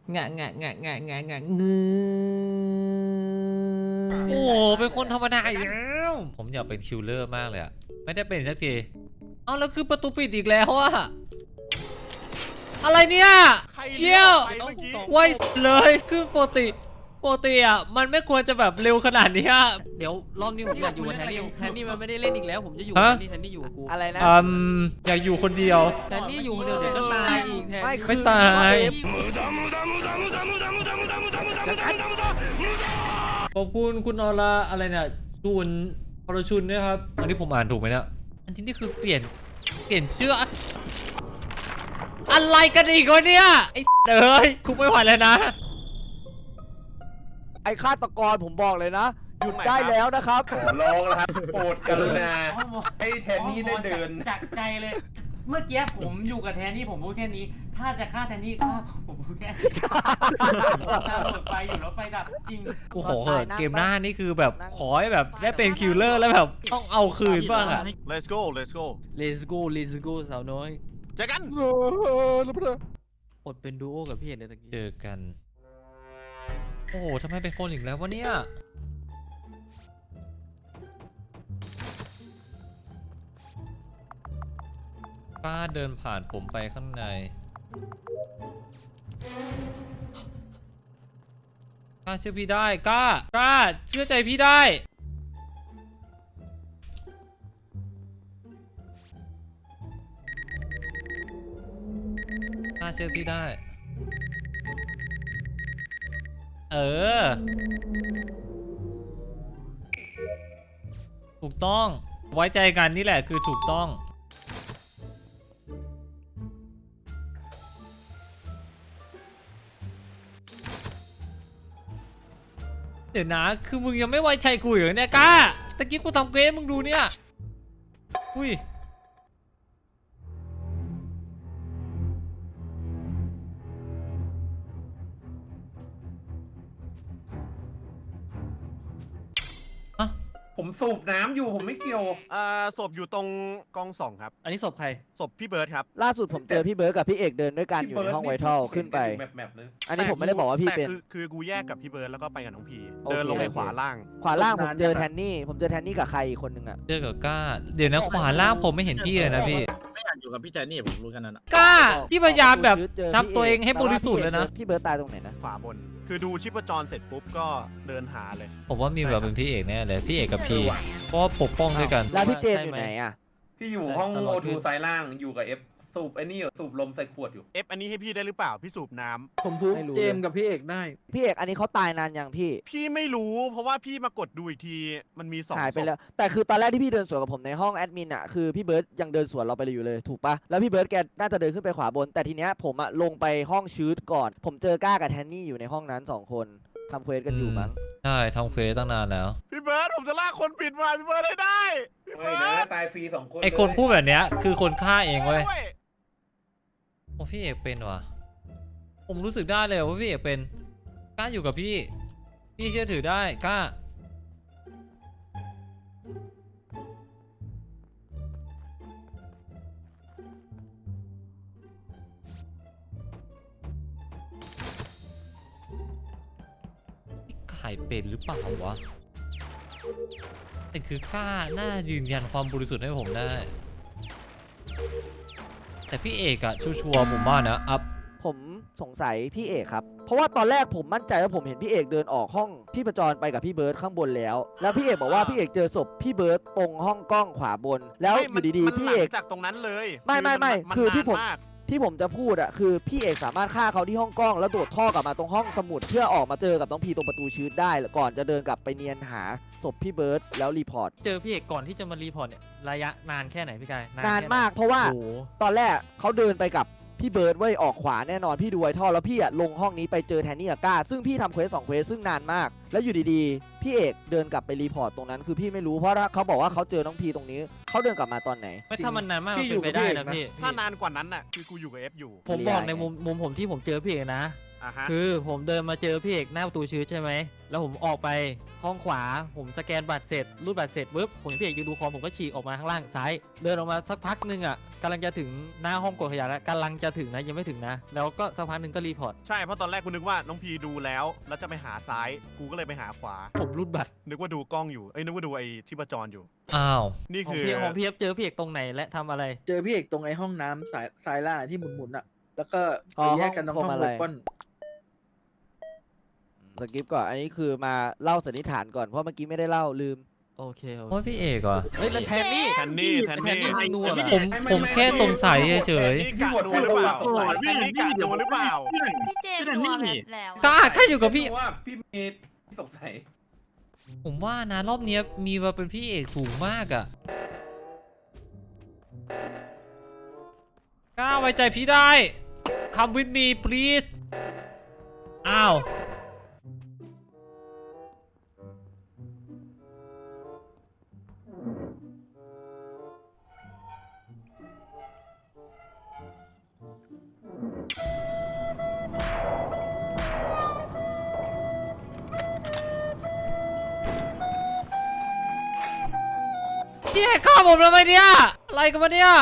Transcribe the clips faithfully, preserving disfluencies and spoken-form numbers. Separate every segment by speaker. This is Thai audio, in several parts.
Speaker 1: งะงะงะงะงะงะงื
Speaker 2: โอ้เป็นคนธรรมดาอีกแล้วผมอยากเป็นคิลเลอร์มากเลยอะไม่ได้เป็นสักทีเอาแล้วคือประตูปิดอีกแล้วอะอะไรเนี่ยเชี่ยวไวเลยคือปกติปกติอะมันไม่ควรจะแบบเร็วขนาดนี้อะ
Speaker 3: เดี๋ยวรอบนี้ผมอยากอยู่กับแทนนี่แทนนี่มันไม่ได้เล่นอีกแล้วผมจะอยู่กับแทนนี่แทนนี่อยู่กับกู
Speaker 4: อะไรนะ
Speaker 2: อืมอยากอยู่คนเดียว
Speaker 3: แทนนี่อยู่คนเดียวเดี๋ยวก็ตายอีกแทน
Speaker 4: ไม่
Speaker 3: นี่
Speaker 2: ไม่ตาย ขอบคุณคุณออร่าอะไรเนี่ยชุนอรชุนนะครับอันนี้ผมอ่านถูกไหมเนี่ยอันที่นี่คือเปลี่ยนเปลี่ยนชื่ออะอะไรกันอีกวะเนี่ยไอ้เอ้ยคุกไม่ไหวแล้วนะ
Speaker 4: ไอ้ฆาตกรผมบอกเลยนะหยุดได้แล้วนะครับ
Speaker 5: ขอร้องแล้วครับโปรดกรุณาให้แทนนี่ได้เดิน
Speaker 1: จากใจเลย เมื่อกี้ผมอยู่กับแทนนี่ผมพูดแค่นี้ ถ้าจะฆ่าแทนนี่ฆ่าผมพูดแค่นี้ผมตามเปิดไฟอยู่แล้วไฟดับจริง
Speaker 2: กูขอเถอะเกมหน้านี่คือแบบขอให้แบบได้เป็นคิลเลอร์แล้วแบบต้องเอาคืนบ้างอะ
Speaker 5: let's go let's go
Speaker 3: เลสกูเลสกูสาวน้อย
Speaker 5: เจอกัน
Speaker 3: อดเป็นดูโอกับพี่เห็นในตะกี้
Speaker 2: เจอกันโอ้โหทำไมเป็นคนอีกแล้ววะเนี่ยป้าเดินผ่านผมไปข้างในกล้าเชื่อพี่ได้กล้ากล้าเชื่อใจพี่ได้กล้าเชื่อพี่ได้เออถูกต้องไว้ใจกันนี่แหละคือถูกต้องเดี๋ยวนะคือมึงยังไม่ไว้ใจกูอยู่เนี่ยกล้าตะกี้กูทำเกมมึงดูเนี่ยอุ้ย
Speaker 5: ผมสูบน้ำอยู่ผมไม่เกี่ยวอ่าศพอยู่ตรงกองสองครับ
Speaker 3: อันนี้ศพใคร
Speaker 5: ศพพี่เบิร์ดครับ
Speaker 4: ล่าสุดผมเจอพี่เบิร์ดกับพี่เอกเดินด้วยกันอยู่ในห้องไวทัลขึ้นไป อันนี้ผมไม่ได้บอกว่าพี่เป็น
Speaker 5: แต่คือคือกูแยกกับพี่เบิร์ดแล้วก็ไปกับน้องพี
Speaker 4: โอเค
Speaker 5: เดินลงไปขวาล่าง
Speaker 4: ขวาล่างผมเจอแทนนี่ ผมเจอแทนนี่กับใครอีกคนนึงอะ
Speaker 2: เจอกับกล้าเดี๋ยวนะขวาล่างผมไม่เห็นพี่เลยนะพี่
Speaker 6: ไม่อยากอยู่กับพี่แจนี่ผมรู้กันนั่นอะ
Speaker 2: กล้าพี่พยายามแบบ
Speaker 4: เจอ
Speaker 2: ทำตัวเองให้บริสุทธิ์เลยนะ
Speaker 4: พี่เบิร์ดตายตรงไหนนะ
Speaker 5: ขวาบน คือดูชิปจรเสร็จปุ๊บก็เดินหาเลย
Speaker 2: ผมว่ามีแบบเป็นพี่เอกแน่เลยพี่เอกกับพี่เพราะว่าปกป้องด้วยกัน
Speaker 4: แล้วพี่เจมส์อยู่ไหนอะ
Speaker 7: พี่อยู่ห้องโอทูซ้ายล่างอยู่กับเอฟสูบไอ้นี่อยู่สูบลมใส่ขวดอยู่
Speaker 5: เอฟอันนี้ให้พี่ได้หรือเปล่าพี่สูบน้ำ
Speaker 3: ผมพูด
Speaker 4: ไม่รู้
Speaker 3: เจมส์กับพี่เอกได้
Speaker 4: พี่เอกอันนี้เขาตายนานยังพี่
Speaker 5: พี่ไม่รู้เพราะว่าพี่มากดดูอีกทีมันมีสอง
Speaker 4: หายไป
Speaker 5: ศพ
Speaker 4: แล้ว แต่คือตอนแรกที่พี่เดินสวนกับผมในห้องแอดมินอะคือพี่เบิร์ดยังเดินสวนเราไปอยู่เลยถูกปะแล้วพี่เบิร์ดแกน่าจะเดินขึ้นไปขวาบน แต่ทีเนี้ยผมอะลงไปห้องชืดก่อน ผมเจอก้ากับแทนนี่อยู่ในห้องนั้นสองคนทำเควสกันอยู่มั้ง
Speaker 2: ใช่ทำเควสตั้งนานแล้ว
Speaker 5: พี่เบิร์ดผมจะลากคนผิดมาพี่เบิร์ดให้ได้พี่
Speaker 7: เฮ้
Speaker 5: เบิ
Speaker 7: ย
Speaker 5: ร์
Speaker 7: นะ
Speaker 5: ด
Speaker 7: ตายฟรีสองคน
Speaker 2: ไอคนพูดแบบเนี้ยคือคนฆ่าเองเว้ย
Speaker 5: ด้วย
Speaker 2: โอ้พี่เอกเป็นว่ะผมรู้สึกได้เลยว่าพี่เอกเป็นกล้าอยู่กับพี่พี่เชื่อถือได้กล้าพี่ไข่เป็นหรือเปล่าวะแต่คือกล้าน่ายืนยันความบริสุทธิ์ให้ผมได้แต่พี่เอกอะชัวร์ๆผมว่านะอัพ
Speaker 4: ผมสงสัยพี่เอกครับ เพราะว่าตอนแรกผมมั่นใจว่าผมเห็นพี่เอกเดินออกห้องที่ประจรไปกับพี่เบิร์ดข้างบนแล้ว แล้วพี่เอกบอกว่าพี่เอกเจอศพพี่เบิร์ดตรงห้องกล้องขวาบน แล้วอยู่ดีๆพี่เอก
Speaker 5: จากตรงนั้นเลย
Speaker 4: ไม่ไม่ไม่
Speaker 5: น
Speaker 4: คือที่ผม
Speaker 5: นานาก
Speaker 4: ที่ผมจะพูดอะคือพี่เอกสามารถฆ่าเขาที่ห้องกล้องแล้วโดดท่อกลับมาตรงห้องสมุดเพื่อออกมาเจอกับน้องพีตรงประตูชืดได้ก่อนจะเดินกลับไปเนียนหาศพพี่เบิร์ดแล้วรีพอร์ต
Speaker 3: เจอพี่เอกก่อนที่จะมารีพอร์ตเนี่ยระยะนานแค่ไหนพี่กาย
Speaker 4: นาน
Speaker 3: แค่ไห
Speaker 4: มากเพราะว่า
Speaker 3: โอ้โห
Speaker 4: ตอนแรกเขาเดินไปกับพี่เบิร์ดไว้ยออกขวาแน่นอนพี่ดูไวท่อแล้วพี่อะลงห้องนี้ไปเจอแทนนี่กับก้าซึ่งพี่ทำเควสสองเควสซึ่งนานมาก แล้วอยู่ดีๆพี่เอกเดินกลับไปรีพอร์ตตรงนั้นคือพี่ไม่รู้เพราะเขาบอกว่าเขาเจอน้องพีตรงนี้เขาเดินกลับมาตอนไหน
Speaker 3: ไม่ถ้ามันนานมากมันเป็นไปได้นะพี่
Speaker 5: ถ้านานกว่านั้นน่ะคือกูอยู่กับเอฟอยู่
Speaker 3: ผมบอกในมุมมุมผมที่ผมเจอพี่เอกนะ
Speaker 5: อ่ะฮะ
Speaker 3: คือผมเดินมาเจอพี่เอกหน้าประตูชื้อใช่ไหมแล้วผมออกไปห้องขวาผมสแกนบัตรเสร็จรูดบัตรเสร็จปุ๊บผมเห็นพี่เอกยืนดูคอมผมก็ฉีกออกมาข้างล่างซ้าย เดินออกมาสักพักหนึงอ่ะกำลังจะถึงหน้าห้องกดขยะแล้วกำลังจะถึงนะยังไม่ถึงนะ แล้วก็สักพักหนึงก็รีพอร์ต
Speaker 5: ใช่เพราะตอนแรกกูนึกว่าน้องพีดูแล้ว แล้วจะไปหาซ้ายกูก็เลยไปหาขวา
Speaker 3: ผมรูดบัตร
Speaker 5: นึกว่าดูกล้องอยู่เอ้ยนึกว่าดูไอ้ที่ประจรอยู่
Speaker 2: อ้าว
Speaker 5: นี่
Speaker 3: ของ
Speaker 5: คือ
Speaker 3: พี่ของพี่เอฟเจอพี่เอกตรงไหนและทำอะไร
Speaker 8: เจอพี่เอกตรงไอ้ห้องน้ำสายซ้ายล่างที่หมุนๆอ่ะ แล้วก็
Speaker 4: อ๋อ
Speaker 8: ไปแยกกันตรง
Speaker 4: ห้
Speaker 8: ห้
Speaker 4: อ
Speaker 8: อง ง
Speaker 4: อะไร
Speaker 8: เวปอน
Speaker 4: สกิปก่อนอันนี้คือมาเล่าสันนิษฐานก่อนเพราะเมื่อกี้ไม่ได้เล่าลืม
Speaker 3: โอเคโอ
Speaker 2: โอ้ย
Speaker 3: เค
Speaker 2: พี่เอกเหรอ
Speaker 3: เฮ้ยแล้วแทนนี่
Speaker 5: แทนนี่แทนนี่
Speaker 3: แทนนี่มึงนัวเหรอ
Speaker 2: ผมผมแค่สงสัยเฉย
Speaker 5: แทนนี่กะนัวหรือเปล่าแทนนี่กะนัวหรือเปล่า
Speaker 9: พี่เจมส์นัวแบบแล้ว
Speaker 2: ๆกล้ากล้าอยู่กับพี่
Speaker 7: ว่าพี่เมย์สงสัย
Speaker 2: ผมว่านะรอบเนี้ยมีมาเป็นพี่เอกสูงมากอะกล้าไว้ใจพี่ได้ Come with me please อ้าว พี่เอกฆ่าผมทำไมเนี่ย อะไรกันวะเนี่ย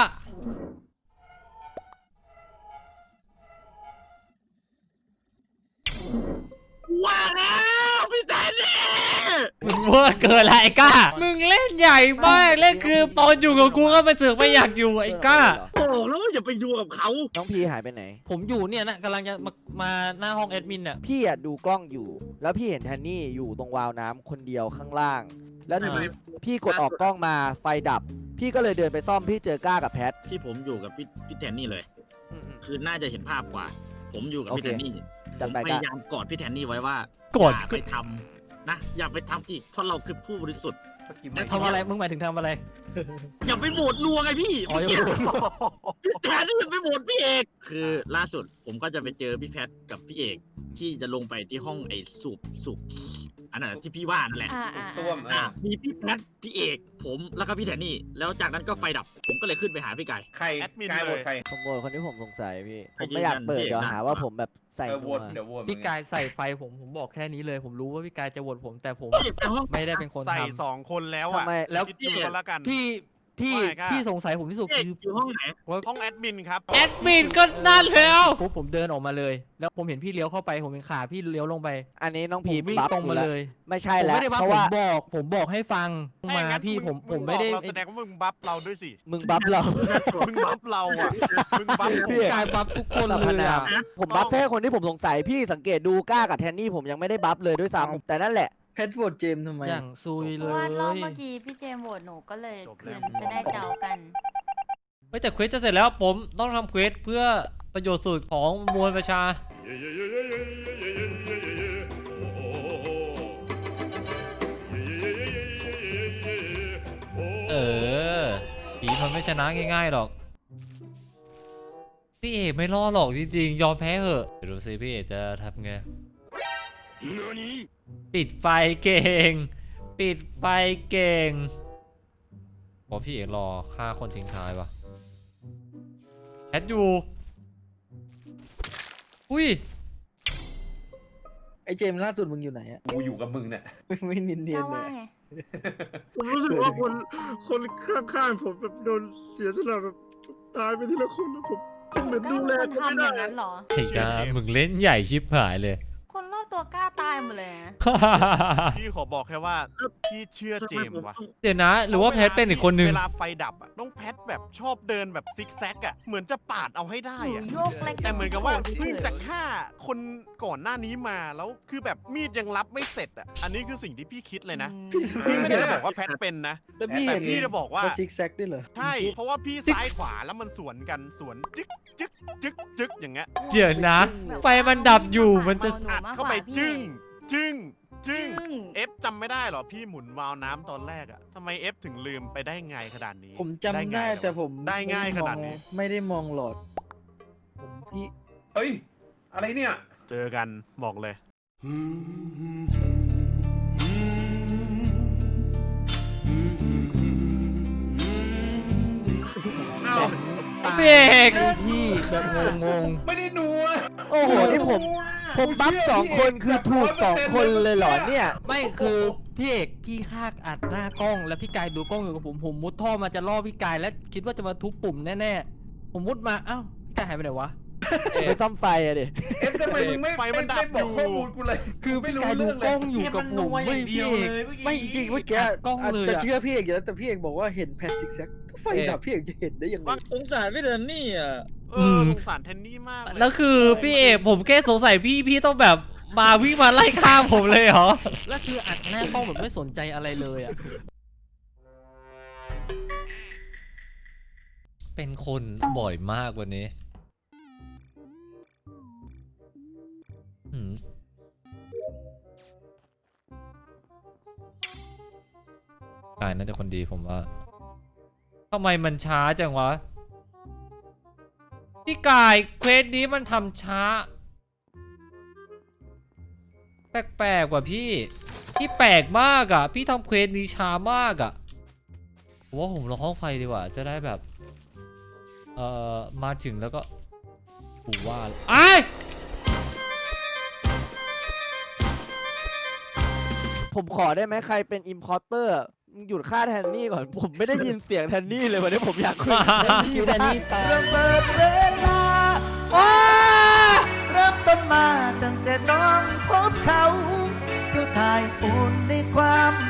Speaker 6: ว่าแล้วพี่แทนนี่
Speaker 2: มึงเวอร์เกินละไอ้ก้า มึงเล่นใหญ่มากเล่นคือตอนอยู่กับกูก็มาเสือกไม่อยากอยู่ไอ้ก้า
Speaker 6: บอกแล้วว่าอย่าไปดูกับเขา
Speaker 4: น้องพีหายไปไหน
Speaker 3: ผมอยู่เนี่ยนะกำลังจะมามาหน้าห้องแอดมินอ่ะ
Speaker 4: พี่อะดูกล้องอยู่ แล้วพี่เห็นแทนนี่อยู่ตรงวาล์วน้ำคนเดียวข้างล่าง แล้วทีนี้พี่กดออกกล้องมาไฟดับ พี่ก็เลยเดินไปซ่อมพี่เจอก้ากับแพท
Speaker 6: ที่ผมอยู่กับพี่พี่แทนนี่เลย
Speaker 4: อืม
Speaker 6: คือน่าจะเห็นภาพกว่า ผมอยู่กับพี่
Speaker 4: โอเค
Speaker 6: แทนนี่
Speaker 4: จั
Speaker 6: ผ
Speaker 4: ด
Speaker 6: ม
Speaker 4: ไป
Speaker 6: พ
Speaker 4: ก้า
Speaker 6: ยายามกอดพี่แทนนี่ไว้ว่าก
Speaker 2: ด
Speaker 6: อย่าไปทำนะอย่าไปทำอีกเพราะเราคือผู้บริสุทธิ์
Speaker 3: ทำอะไรมึงหมายถึงทำอะไร
Speaker 6: อย่าไปโหวตนัวไงพี่
Speaker 3: อ๋ออย่าไปโหวตนัว
Speaker 6: พี่แทนนี่อย่าไปโหวตพี่เอกคือล่าสุดผมก็จะไปเจอพี่แพทกับพี่เอกที่จะลงไปที่ห้องไอ้สูบสูบอันนั้นที่พี่ว่านั่นแหละ
Speaker 9: อ่าอ่า
Speaker 7: ส้วม
Speaker 6: อ่ะ
Speaker 7: อ่ะ
Speaker 6: มีพี่แพทพี่เอกผมแล้วก็พี่แทนนี่แล้วจากนั้นก็ไฟดับ ผมก็เลยขึ้นไปหาพี่ไก่
Speaker 7: ใคร
Speaker 5: แอดมิน
Speaker 7: กาย
Speaker 5: เลย
Speaker 7: โหวตใคร
Speaker 4: ผมโหวตคนที่ผมสงสัยพี่
Speaker 6: ให้
Speaker 4: ผมไม่อยากเปิด
Speaker 6: ยืนยัน
Speaker 4: เดี๋ยว
Speaker 6: พี่เอก
Speaker 4: หา
Speaker 6: นะ
Speaker 4: ว่าผมแบบใส่
Speaker 7: เออโห
Speaker 4: นั
Speaker 7: ว
Speaker 4: ว
Speaker 7: ตเดี๋ยวโหวต
Speaker 3: พี่กายใส่ไฟผมผมบอกแค่นี้เลย ผมรู้ว่าพี่กายจะโหวตผมแต่ผม
Speaker 6: พี่เอกไปห้อง
Speaker 3: ไม่ได้เป็นคน
Speaker 5: ใส่
Speaker 3: ทำ
Speaker 5: สองคนแล้ว
Speaker 4: ทำ
Speaker 5: อ่ะ
Speaker 4: ไม
Speaker 3: แล้ว
Speaker 5: คิดดูก็แล้วกัน
Speaker 3: พี่พี่
Speaker 5: ว่าไงก้า
Speaker 3: พี่สงสัยผมที่สุด
Speaker 6: พี่เอก
Speaker 3: คือ
Speaker 6: อยู่ห้องไหน
Speaker 3: ว่า
Speaker 5: ห้องแอดมินครับ
Speaker 2: แอดมินก็นั่นแล้ว
Speaker 3: ปุ๊บผมเดินออกมาเลย แล้วผมเห็นพี่เลี้ยวเข้าไปผมเห็นขาพี่เลี้ยวลงไป
Speaker 4: อันนี้น้อง
Speaker 3: ผ
Speaker 4: พี
Speaker 3: มวิ่ง
Speaker 4: บัฟ
Speaker 3: ตรงมา
Speaker 4: อยู่แว
Speaker 3: เลย
Speaker 4: ไม่ใช่
Speaker 3: ผม
Speaker 4: แล้ว
Speaker 3: ไม่ได้บัฟ
Speaker 4: เพราะ
Speaker 3: ผม
Speaker 4: ว่า
Speaker 3: บอกผมบอกให้ฟังมา
Speaker 5: ถ้งั้น
Speaker 3: พี่
Speaker 5: ง
Speaker 3: ผมผม
Speaker 5: ง
Speaker 3: ไม่ได้
Speaker 5: บอกเราแสดงว่ามึงบัฟเราด้วยสิ
Speaker 4: มึงบัฟเรา
Speaker 5: มึงบัฟเราอ่ะ มึงบัฟ
Speaker 4: พี่
Speaker 3: กายบัฟทุกคน
Speaker 4: สรร
Speaker 3: เล
Speaker 4: พ
Speaker 3: ย
Speaker 4: นาม
Speaker 3: อะ
Speaker 4: ผมบัฟแค่คนที่ผมสงสัยพี่สังเกตดูก้ากับแทนนี่ผมยังไม่ได้บัฟเลยด้วยซ้ำแต่นั่นแหละ
Speaker 8: แพทโหวตเจมส์ทำไม
Speaker 3: อย่างซุย
Speaker 9: เพ
Speaker 3: เล
Speaker 9: ราะว่าย รอบเมื่อกี้พี่เจมส์โหวตหนูก็เลยคืนจะได้เดากัน
Speaker 2: เฮ้ยแต่เควสจะเสร็จแล้วผมต้องทำเควสเพื่อประโยชน์สุดของมวลประชา เออผีมันไม่ชนะง่ายๆหรอก พี่เอกไม่รอดหรอกจริงๆ ยอมแพ้เหอะเดี๋ยวดูสิพี่เอกจะทำไง ปิดไฟเก่ง ปิดไฟเก่งเพราะพี่เอกรอฆ่าคนทิ้งท้ายวะแคทอยู่ อุ้ย
Speaker 8: ไอ้เจมส์ล่าสุดมึงอยู่ไหนอ่ะ
Speaker 7: กูอยู่กับมึงเนี่ย
Speaker 8: ไม่เนียนๆเล
Speaker 9: เจ้าย ว่าไง
Speaker 6: ผมรู้สึกว่าคนคนข้างๆผมแบบโดนเสียสละแบบตายไปทีละคนแล้วผมผมแบบ
Speaker 9: กล้า
Speaker 6: ดู
Speaker 9: เป็
Speaker 6: แล
Speaker 9: นคน
Speaker 6: เขาไม่
Speaker 9: ทำอ
Speaker 6: ได้
Speaker 9: ย่างนั้นเหรอ
Speaker 2: ไอ้กามึงเล่นใหญ่ชิบหายเลย
Speaker 9: คนรอบตัวกล้าตายหมดเลยนะ
Speaker 5: พี่ขอบอกแค่ว่าพี่เชื่อเจมส์ว่ะ
Speaker 2: เดี๋ยวนะ หรือว่าแพทเป็นอีกคนนึง
Speaker 5: เวลาไฟดับอ่ะน้องแพทแบบชอบเดินแบบซิกแซกอ่ะ เหมือนจะปาดเอาให้ได้
Speaker 9: หนู
Speaker 5: อ่ะ
Speaker 9: โยกเล็ก
Speaker 5: แต่เหมือนกับว่าเพิ่งจะฆ่าคนก่อนหน้านี้มาแล้วคือแบบมีดยังรับไม่เสร็จอ่ะ อันนี้คือสิ่งที่พี่คิดเลยนะ พี่ไม่ได้จะบอกว่าแพทเป็นนะ
Speaker 8: แล้วพี่
Speaker 5: แต่
Speaker 8: เห็น
Speaker 5: พี่จะบอกว่า
Speaker 8: เขาซิกแซกด้วยเหรอ
Speaker 5: ใช่ เพราะว่าพี่ซ้ายขวาแล้วมันสวนกันสวนจึ๊กจึ๊กจึ๊กจึ๊กอย่างเงี้ย
Speaker 2: เดี๋ยวนะ ไฟมันดับอยู่มันจะ
Speaker 5: อัดเข้าไปจึ้งจึ้งจึ้ง
Speaker 9: จึ้ง
Speaker 5: เอฟจำไม่ได้เหรอพี่หมุนวาล์วน้ำตอนแรกอะทำไมเอฟถึงลืมไปได้ไงขนาดนี้
Speaker 8: ผมจำได้
Speaker 5: ไงเหรอ
Speaker 8: แต่ผม
Speaker 5: ได้ง่ายขนาดนี้
Speaker 8: ไม่ได้มองหลอด ผมพี่
Speaker 7: เฮ้ย อะไรเนี่ย
Speaker 5: เจอกันบอกเลย
Speaker 2: พี่เอก
Speaker 3: พี่แบบงง
Speaker 7: ไม่ได้นัว
Speaker 4: โอ้โหนี่ผม
Speaker 7: นัว
Speaker 4: ผมบัฟสองคนคือถูกสองคนเลยเหรอเนี่ย
Speaker 3: ไม่คือพี่เอกพี่คากอัดหน้ากล้องแล้วพี่กายดูกล้องอยู่กับผมผมมุดท่อมาจะล่อพี่กายแล้วคิดว่าจะมาทุบปุ่มแน่ๆผมมุดมาอ้าวพี่กายหายไปไหนวะ
Speaker 4: ไปซ่อมไฟอะดิ
Speaker 7: เอฟทำไมมึงไม่
Speaker 5: ไฟมันดับ
Speaker 7: ไม่บอก
Speaker 5: อยู่
Speaker 7: ข้อมูลกูเลย
Speaker 3: คือ
Speaker 7: ไม่
Speaker 3: พี่
Speaker 7: รู้
Speaker 3: กายดู
Speaker 7: เรื่อง
Speaker 3: ก
Speaker 7: เล
Speaker 3: ล้
Speaker 7: ย
Speaker 3: องอยู่กับผม
Speaker 1: แค่มันนัวอ
Speaker 3: ไม่
Speaker 1: ย่างเดี
Speaker 3: พี่
Speaker 1: ยว
Speaker 3: เอก
Speaker 1: เลยเมื่อกี้
Speaker 8: ไม่จริงเมื่อกี้
Speaker 3: อัดกล้องเลย
Speaker 8: จะ
Speaker 3: อะ
Speaker 8: เชื่อพี่เอกอยู่แล้วแต่พี่เอกบอกว่าเห็นแพทซิกแซกถ้าไฟดับพี่เอกจะเห็นได้ยังไง
Speaker 6: สงสารพี่เดนนี่อ่ะ
Speaker 5: เออสงสารแทนนี่มากเลย
Speaker 2: แล้วคือพี่เอกผมแค่สงสัยพี่พี่ต้องแบบมาวิ่งมาไล่ฆ่าผมเลยเหรอ
Speaker 3: แล้วคืออัดหน้ากล้องแบบไม่สนใจอะไรเลยอ่ะ
Speaker 2: เป็นคนบ่อยมากวันนี้อืมกายน่าจะคนดีผมว่าทำไมมันช้าจังวะพี่กายเควสนี้มันทำช้าแปลกๆกว่าพี่พี่แปลกมากอ่ะพี่ทำเควสนี้ช้ามากอ่ะผมว่าผมรอห้องไฟดีกว่าจะได้แบบเอ่อมาถึงแล้วก็กูว่าไอ้ย
Speaker 4: ผมขอได้ไหมใครเป็นอิมพอร์เตอร์หยุดฆ่าแทนนี่ก่อน ผมไม่ได้ยินเสียงแทนนี่เลยวันนี้ผมอยากคุยกับแทนนี่
Speaker 3: แทนนี่ตาย
Speaker 10: เริ่มเปิดเวลาเริ่มต้นมาตั้งแต่น้องพบเขาเจ้าทายอุ่นในความ